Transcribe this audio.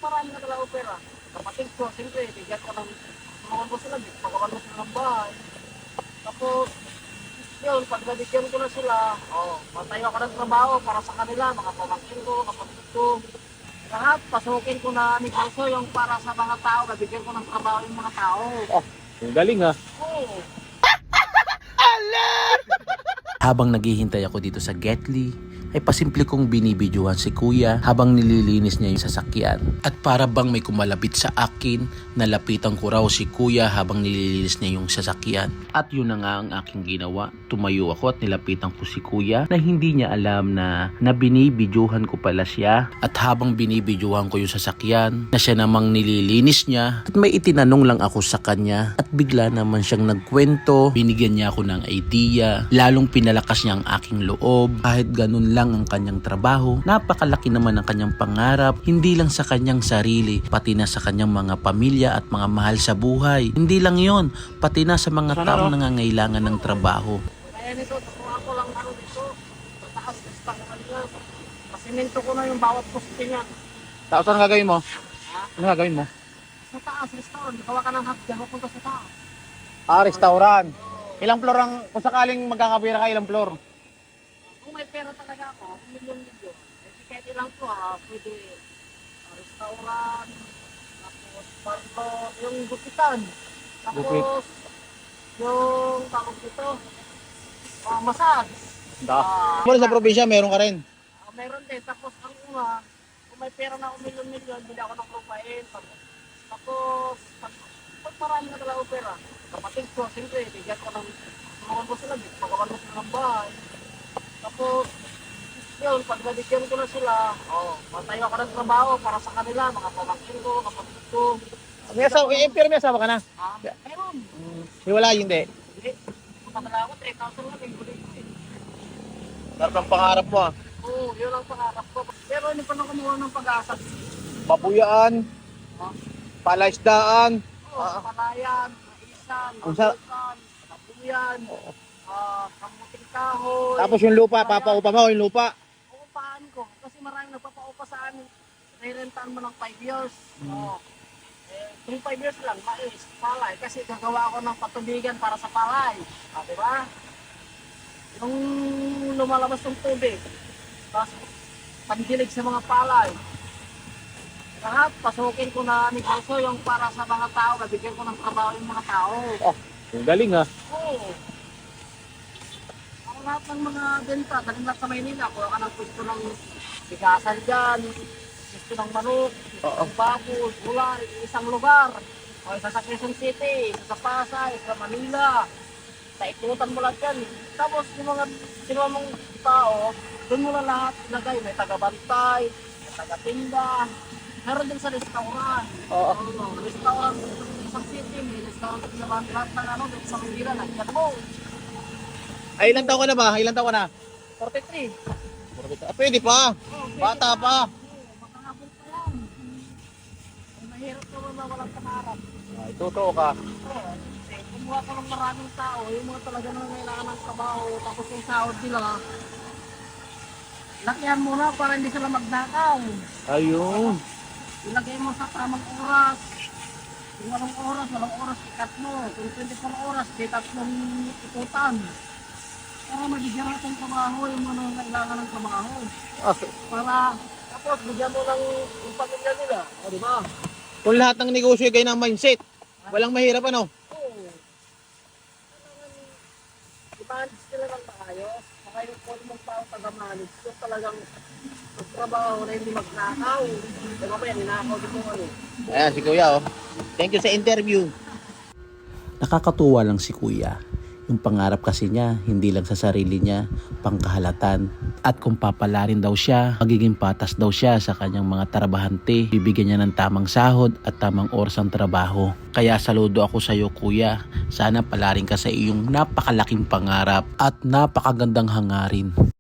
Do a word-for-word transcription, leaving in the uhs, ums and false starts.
marami na talaga pera. Kapatid ko, siyempre, bigyan ko ng tulungan ko sila, pagawan mo sila ng bahay. Tapos, yun, pag nabigyan ko na sila, oh, matayo ako ng trabaho para sa kanila, mga pamangkin ko, kapatid ko. Lahat, pasukin ko na negosyo yung para sa mga tao, nabigyan ko ng trabaho yung mga tao. Oh, ang galing ha. Oo. Habang naghihintay ako dito sa Getly, ay pasimple kong binibidyohan si kuya habang nililinis niya yung sasakyan. At para bang may kumalapit sa akin, nalapitan ko raw si kuya habang nililinis niya yung sasakyan. At yun na nga ang aking ginawa. Tumayo ako at nilapitan ko si kuya na hindi niya alam na, na binibidyohan ko pala siya. At habang binibidyohan ko yung sasakyan, na siya namang nililinis niya, at may itinanong lang ako sa kanya at bigla naman siyang nagkwento. Binigyan niya ako ng idea, lalong pinalakas niya ang aking loob. Kahit ganun lang ang kanyang trabaho, napakalaki naman ang kanyang pangarap, hindi lang sa kanyang sarili, pati na sa kanyang mga pamilya at mga mahal sa buhay. Hindi lang yon, pati na sa mga taong nangangailangan ng trabaho. Kaya nito, tukuha ko lang ano dito, mataas na stock ko kanila. Pasimento ko na yung bawat poste niya. Tapos ano gagawin mo? Ha? Ano gagawin mo? Sa taas, restaurant, gawa ka ng hapdyan, mapunta sa taas. Ah, restaurant. Ilang floor ang, kung sakaling magkakapira ka, ilang floor? Kung may pera talaga ako, kung milyon-milyon, eh kahit ilang ko ha, pwede uh, restaurant, tapos barlo, yung gupitan, tapos Gupit. yung tawag dito, uh, massage. Da. Ah, Mula sa probinsya, meron ka rin. Ah, meron din, tapos ang una, kung may pera na ako milyon-milyon, bili ako ng lupain, tapos, tapos pag, pag marami na talaga ako pera, kapatid ko, siyempre, bigyan ko ng tulungan ko sila, pagawan mo sila ng bahay. Tapos, yun, pag nabigyan ko na sila, oh, matayo ako ng trabaho para sa kanila, mga pamangkin ko, kapatid ko. May asawa, eh, pero may asawa ka na. Ah, meron. Hiwala, hindi. Hindi. Pumatala ako, three thousand lang yung huli ko eh. Sarap ng pangarap mo ah. Oo, yun ang pangarap ko. Pero hindi pa na kumuha ng pag-asa. Papuyaan, Oh, palaisdaan. oh, palayan, maisan, Kung sa- mabukan, kapuyan, ah, kamuting kahoy. Tapos yung lupa, papaupa mo yung lupa. Uupahan ko. Kasi maraming nagpapaupa sa amin. Nairentaan mo ng five years. Oh. Eh, kung five years lang, mais, palay. Kasi gagawa ako ng patubigan para sa palay. Ah, di ba? Yung lumalabas ng tubig. Tapos, pandilig sa mga palay. Lahat, pasukin ko na negosyo yung para sa mga tao. Nabigyan ko ng trabaho yung mga tao. Oh, ang galing ha. Oo. Ang lahat ng mga benta, daling lahat sa Maynila. Kuha ka ng pwesto ng bigasan dyan, pwesto ng manok, pwesto ng baboy, gulay, isang lugar. O isa sa Quezon City, isa sa Pasay, isa sa Manila. Sa ikutan mo lang yan. Tapos yung mga sino mong tao, doon mo na lahat ilagay. May taga-bantay, may taga-tinda. Meron din sa restaurant. Oo. Oo, restaurant sa Quezon City, may restaurant sa lahat ng ano, doon sa Manila, nandiyan mo. Ay, ilang taon ka na ba? Ilang taon ka na? forty-three. Ah, pwede pa. Oh, pwede Bata pa. Oo, makakabot pa yan. Ay, mahirap naman na walang pangarap. Ay, totoo ka. Oo, eh, kumuha ko ng maraming tao, yung mga talaga nang kailangan ng trabaho, tapos yung sahod nila, lakihan mo na para hindi sila magnakaw. Ayun. Ilagay mo sa tamang oras. Kung walang oras, walang oras, ikat mo. Kung twenty-four oras, di tatlong ikutan. Para mabigyan natin trabaho yung mga kailangan ng trabaho. Ah, Para, tapos bigyan mo ng yung pamilya nila. O, di ba? kung lahat ng negosyo ay ganyan ang mindset, walang mahirap ano? Oo. Kailangan i-manage nila ng maayos. Saka yung kung mong tao taga-manage, yung talagang magtrabaho na hindi magnakaw. Di ba ba yan, ninakaw din mo ano. Ayan, si Kuya oh. Thank you sa interview. Nakakatuwa lang si kuya. Yung pangarap kasi niya, hindi lang sa sarili niya, pangkahalatan. At kung papalarin daw siya, magiging patas daw siya sa kanyang mga trabahante. Bibigyan niya ng tamang sahod at tamang oras ang trabaho. Kaya saludo ako sa iyo kuya. Sana palarin ka sa iyong napakalaking pangarap at napakagandang hangarin.